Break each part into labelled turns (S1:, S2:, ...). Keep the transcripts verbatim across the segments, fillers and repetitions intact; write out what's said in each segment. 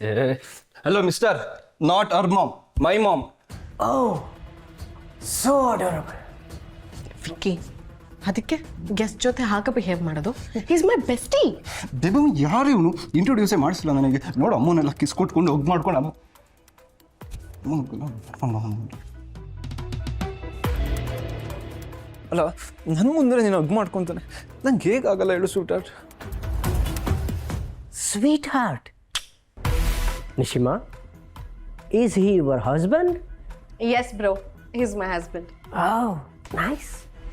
S1: Hello, mister. Not our mom. My mom.
S2: Oh, so adorable. Vicky, ಅದಕ್ಕೆ guest ಜೊತೆ ಹಾಗೆ behave ಮಾಡೋದು. Is my bestie.
S1: ದೇವ ಯಾರು ಇವನು ಇಂಟ್ರೊಡ್ಯೂಸೇ ಮಾಡಿಸಿಲ್ಲ ನನಗೆ. ನೋಡು ಅಮ್ಮನೆಲ್ಲ ಕಿಸ್ ಕೊಟ್ಕೊಂಡು ಹೋಗಿ ಮಾಡ್ಕೊಂಡು ಅಮ್ಮ ಅಲ್ಲ ನನ್ನ ಮುಂದೆ ನೀನು ಹಗ್ ಮಾಡ್ಕೊತಾನೆ. ನಂಗೆ ಹೇಗಾಗಲ್ಲ ಹೇಳು sweetheart.
S3: Sweet heart. Nishima, is he your husband?
S2: Yes, bro. He's my husband.
S3: Oh, nice.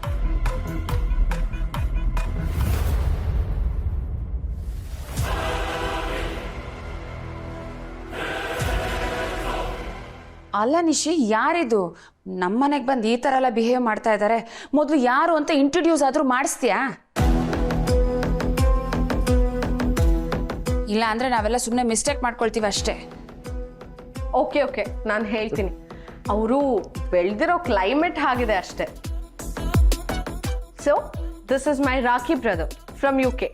S4: ಅಲ್ಲ ನಿಶಿ, ಯಾರಿದು ನಮ್ಮನೆಗೆ ಬಂದು ಈ ಥರ ಎಲ್ಲ ಬಿಹೇವ್ ಮಾಡ್ತಾ ಇದ್ದಾರೆ? ಮೊದಲು ಯಾರು ಅಂತ ಇಂಟ್ರೊಡ್ಯೂಸ್ ಆದರೂ ಮಾಡಿಸ್ತೀಯಾ? ಇಲ್ಲ ಅಂದರೆ ನಾವೆಲ್ಲ ಸುಮ್ಮನೆ ಮಿಸ್ಟೇಕ್ ಮಾಡ್ಕೊಳ್ತೀವಿ ಅಷ್ಟೇ.
S2: ಓಕೆ ಓಕೆ ನಾನು ಹೇಳ್ತೀನಿ. ಅವರು ಬೆಳೆದಿರೋ ಕ್ಲೈಮೇಟ್ ಆಗಿದೆ ಅಷ್ಟೇ. So this is my Rakhi brother from U K.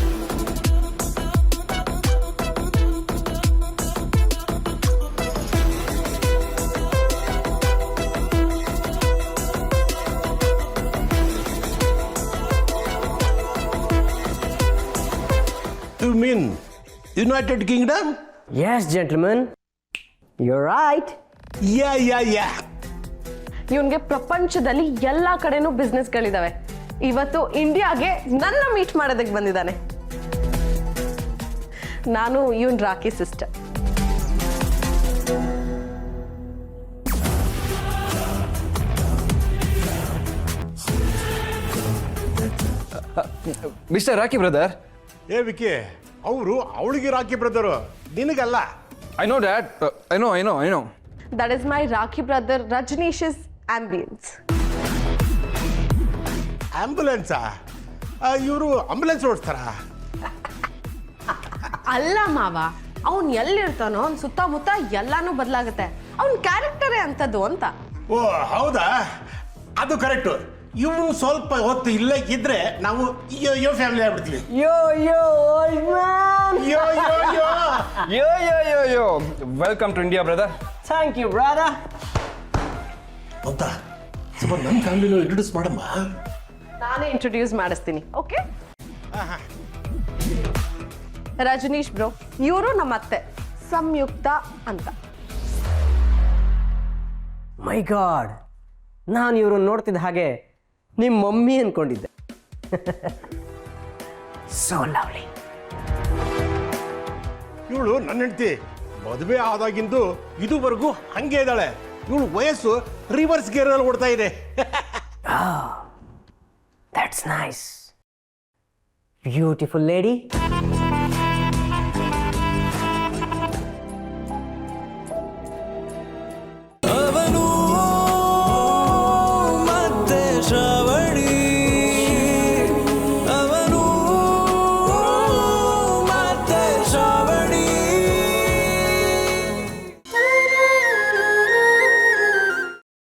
S5: You mean United Kingdom?
S3: Yes, gentlemen. You're right.
S5: Yeah, yeah, yeah.
S2: ಇವನ್ಗೆ ಪ್ರಪಂಚದಲ್ಲಿ ಎಲ್ಲ ಕಡೆನೂ ಬಿಸ್ನೆಸ್ಗಳಿದಾವೆ. ಇವತ್ತು ಇಂಡಿಯಾಗೆ ನನ್ನ ಮೀಟ್ ಮಾಡೋದಕ್ಕೆ ಬಂದಿದ್ದಾನೆ. ನಾನು ಇವನ್ Rakhi sister.
S1: Mister Rakhi brother.
S5: ಏ ವಿಕಿ, ಅವರು ಅವಳಿಗೆ ರಾಕಿ ಬ್ರದರು, ನಿನಗಲ್ಲ.
S1: I know that. I know I know I know
S2: That is my Rakhi brother Rajneesh's ambulance.
S5: ಆಂಬ್ಯುಲೆನ್ಸಾ? ಇವರು ಆಂಬ್ಯುಲೆನ್ಸ್ ಓಡಿಸ್ತಾರ?
S2: ಅಲ್ಲ ಮಾವ, ಅವನ್ ಎಲ್ಲಿರ್ತಾನೋ ಅವ್ನ ಸುತ್ತಮುತ್ತ ಎಲ್ಲಾನು ಬದಲಾಗುತ್ತೆ. ಅವನ್ ಕ್ಯಾರೆಕ್ಟರೇ ಅಂತದ್ದು ಅಂತ.
S5: ಓ ಹೌದಾ, ಅದು ಕರೆಕ್ಟು. ಇವನು ಸ್ವಲ್ಪ ಹೊತ್ತು ಇಲ್ಲೇ ಇದ್ರೆ ನಾವು ಯೋ ಯೋ ಫ್ಯಾಮಿಲಿ ಆಗ್ಬಿಡ್ತೀವಿ.
S3: Yo, yo, old man.
S5: Yo yo yo
S1: yo yo yo yo welcome to India brother.
S3: Thank you, brother.
S5: ಅಂತ ಸ್ವಲ್ಪ ನನ್ನ ಫ್ಯಾಮಿಲಿನ ಇಂಟ್ರೊಡ್ಯೂಸ್ ಮಾಡಮ್ಮ.
S2: ನಾನೇ ಇಂಟ್ರೊಡ್ಯೂಸ್ ಮಾಡಿಸ್ತೀನಿ. ಓಕೆ, ರಜನೀಶ್ ಬ್ರೋ, ಇವರು ನಮ್ಮ ಅತ್ತೆ ಸಂಯುಕ್ತ ಅಂತ.
S3: My God. ನಾನು ಇವ್ರನ್ನ ನೋಡ್ತಿದ್ದ ಹಾಗೆ ನಿಮ್ಮ ಮಮ್ಮಿ ಅನ್ಕೊಂಡಿದ್ದೆ. So lovely.
S5: ಇವಳು ನನ್ನ ಹೆಂಡತಿ. ಮದುವೆ ಆದಾಗಿಂದು ಇದುವರೆಗೂ ಹಂಗೆ ಇದ್ದಾಳೆ. ಇವಳು ವಯಸ್ಸು ರಿವರ್ಸ್ ಗೇರಲ್ಲಿ ಓಡ್ತಾ ಇದೆ.
S3: That's nice. Beautiful lady.